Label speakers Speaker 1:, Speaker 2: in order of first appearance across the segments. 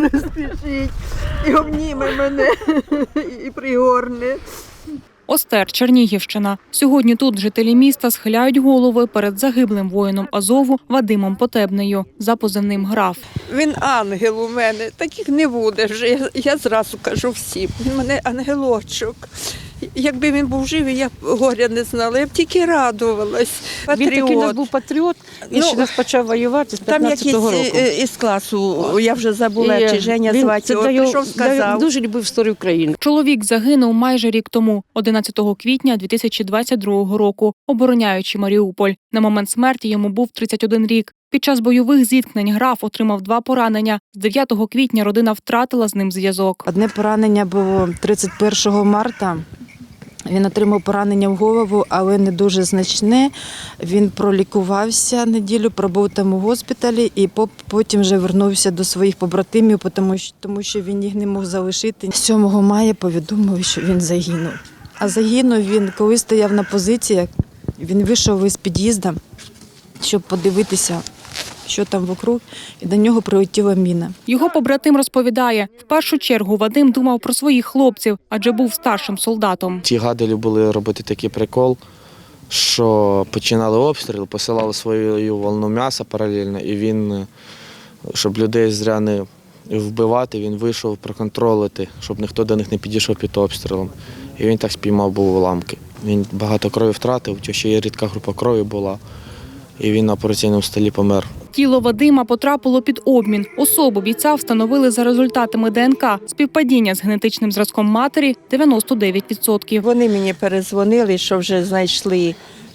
Speaker 1: розпішіть, і обніме мене, і пригорне.
Speaker 2: Остер, Чернігівщина. Сьогодні тут жителі міста схиляють голови перед загиблим воїном Азову Вадимом Потебнею за позивним «Граф».
Speaker 1: Він ангел у мене, таких не буде вже, я зразу кажу всім. Він у мене ангелочок. Якби він був живий, я б горя не знала, я б тільки радувалась.
Speaker 3: Він такий у нас
Speaker 1: Патріот.
Speaker 3: був патріот, він ще нас почав воювати з
Speaker 1: Там
Speaker 3: 15-го
Speaker 1: якийсь
Speaker 3: року.
Speaker 1: із класу, я вже забула,
Speaker 3: І
Speaker 1: чи Женя
Speaker 3: він-
Speaker 1: звати
Speaker 3: це
Speaker 1: його,
Speaker 3: для його-
Speaker 1: прийшов,
Speaker 3: для його
Speaker 1: сказав.
Speaker 3: дуже любив історію України.
Speaker 2: Чоловік загинув майже рік тому, 11 квітня 2022 року, обороняючи Маріуполь. На момент смерті йому був 31 рік. Під час бойових зіткнень «Граф» отримав 2 поранення. З 9 квітня родина втратила з ним зв'язок.
Speaker 4: Одне поранення було 31 марта. Він отримав поранення в голову, але не дуже значне. Він пролікувався неділю, пробув там у госпіталі і потім вже вернувся до своїх побратимів, тому що він їх не мог залишити. 7 мая повідомив, що він загинув. А загинув він, коли стояв на позиціях, він вийшов із під'їзду, щоб подивитися, що там вокруг, і до нього прилетіла міна.
Speaker 2: Його побратим розповідає, в першу чергу Вадим думав про своїх хлопців, адже був старшим солдатом.
Speaker 5: Ті гади любили робити такий прикол, що починали обстріл, посилали свою волну м'яса паралельно, і він, щоб людей зря не вбивати, він вийшов проконтролити, щоб ніхто до них не підійшов під обстрілом. І він так спіймав був уламки. Він багато крові втратив, ще є рідка група крові була, і він на операційному столі помер.
Speaker 2: Тіло Вадима потрапило під обмін. Особу бійця встановили за результатами ДНК. Співпадіння з генетичним зразком матері – 99%.
Speaker 1: Вони мені перезвонили, що вже знайшли,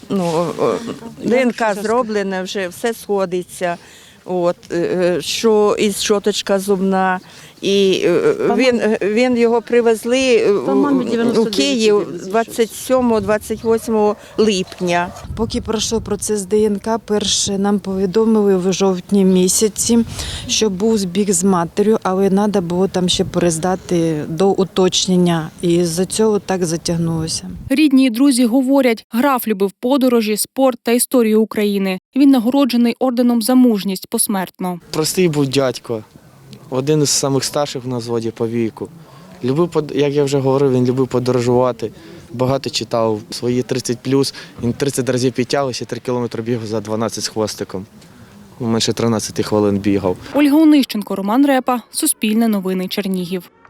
Speaker 1: ДНК зроблена, вже все сходиться. Що із щоточка зубна. І він його привезли у Київ 27-28 липня.
Speaker 4: Поки пройшов процес ДНК, перше нам повідомили в жовтні місяці, що був збіг з матір'ю, але треба було там ще перездати до уточнення. І з-за цього так затягнулося.
Speaker 2: Рідні і друзі говорять, «Граф» любив подорожі, спорт та історію України. Він нагороджений орденом за мужність посмертно.
Speaker 5: Простий був дядько, один із самих старших на взводі по віку. Любив, як я вже говорив, він любив подорожувати, багато читав. Свої 30+, він 30 разів підтягувався, 3 кілометри бігав за 12 з хвостиком. Менше 13 хвилин бігав.
Speaker 2: Ольга Онищенко, Роман Репа, Суспільне новини, Чернігів.